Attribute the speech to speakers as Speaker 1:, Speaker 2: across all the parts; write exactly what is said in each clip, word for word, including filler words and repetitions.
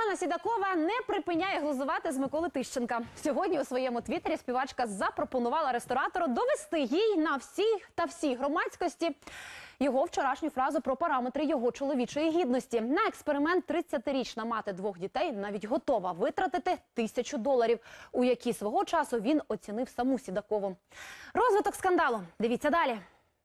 Speaker 1: Ганна Сідакова не припиняє глузувати з Миколи Тищенка. Сьогодні у своєму твіттері співачка запропонувала ресторатору довести їй на всій та всій громадськості його вчорашню фразу про параметри його чоловічої гідності. На експеримент тридцятирічна мати двох дітей навіть готова витратити тисячу доларів, у які свого часу він оцінив саму Сідакову. Розвиток скандалу. Дивіться далі.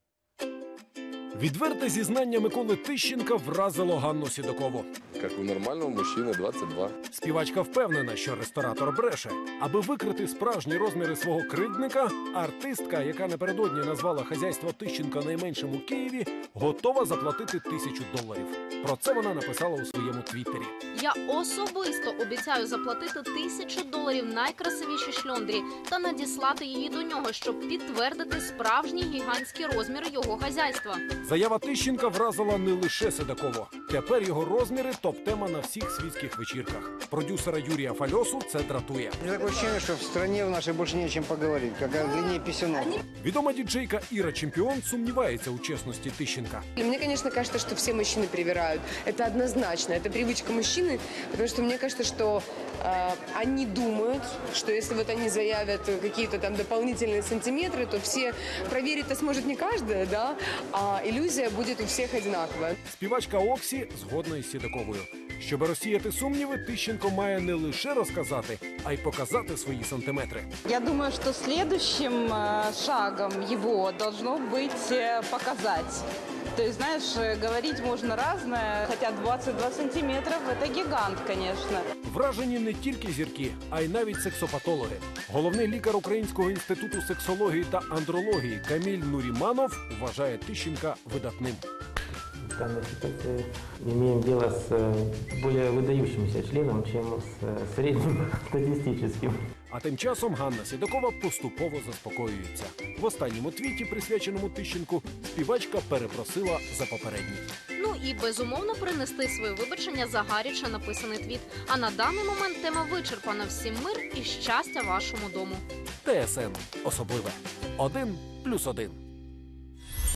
Speaker 2: Відверте зізнання Миколи Тищенка вразило Ганну Сідакову.
Speaker 3: Як у нормального мужчини, двадцять два.
Speaker 2: Співачка впевнена, що ресторатор бреше. Аби викрити справжні розміри свого кривдника, артистка, яка напередодні назвала хазяйство Тищенка найменшим у Києві, готова заплатити тисячу доларів. Про це вона написала у своєму твіттері.
Speaker 4: Я особисто обіцяю заплатити тисячу доларів найкрасивішій шльондрі та надіслати її до нього, щоб підтвердити справжні гігантські розміри його хазяйства.
Speaker 2: Заява Тищенка вразила не лише Сідакову. Тепер його розміри – топ-тема на всіх світських вечірках. Продюсера Юрія Фальосу це дратує.
Speaker 5: Таке відчуття, що в країні в нашій більше не о чим поговорити, як о длині пісюнок.
Speaker 2: Відома діджейка Іра Чемпіон сумнівається у чесності Тищенка.
Speaker 6: Мне, конечно, кажется, что все мужчины привирают. Это однозначно. Это привычка мужчины, потому что мне кажется, что э, они думают, что если вот они заявят какие-то там дополнительные сантиметры, то все проверить-то сможет не каждая, да, а иллюзия будет у всех одинаковая.
Speaker 2: Співачка Оксі згодна із Сідаковою. Щоб розсіяти сумніви, Тищенко має не лише розказати, а й показати свої сантиметри.
Speaker 7: Я думаю, что следующим э, шагом его должно быть э, показать. То есть, знаешь, говорить можно разное, хотя двадцать два сантиметров – это гигант, конечно.
Speaker 2: Вражені не тільки зірки, а й навіть сексопатологи. Головний лікар Українського інституту сексології та андрології Каміль Нуріманов вважає Тищенка видатним.
Speaker 8: В данной ситуации имеем дело с более выдающимся членом, чем с средним статистическим.
Speaker 2: А тим часом Ганна Сідакова поступово заспокоюється. В останньому твіті, присвяченому Тищенку, співачка перепросила за попередній.
Speaker 4: Ну і безумовно принести своє вибачення за гаряче написаний твіт. А на даний момент тема вичерпана. Всім мир і щастя вашому дому.
Speaker 2: ТСН особливе. Один плюс один.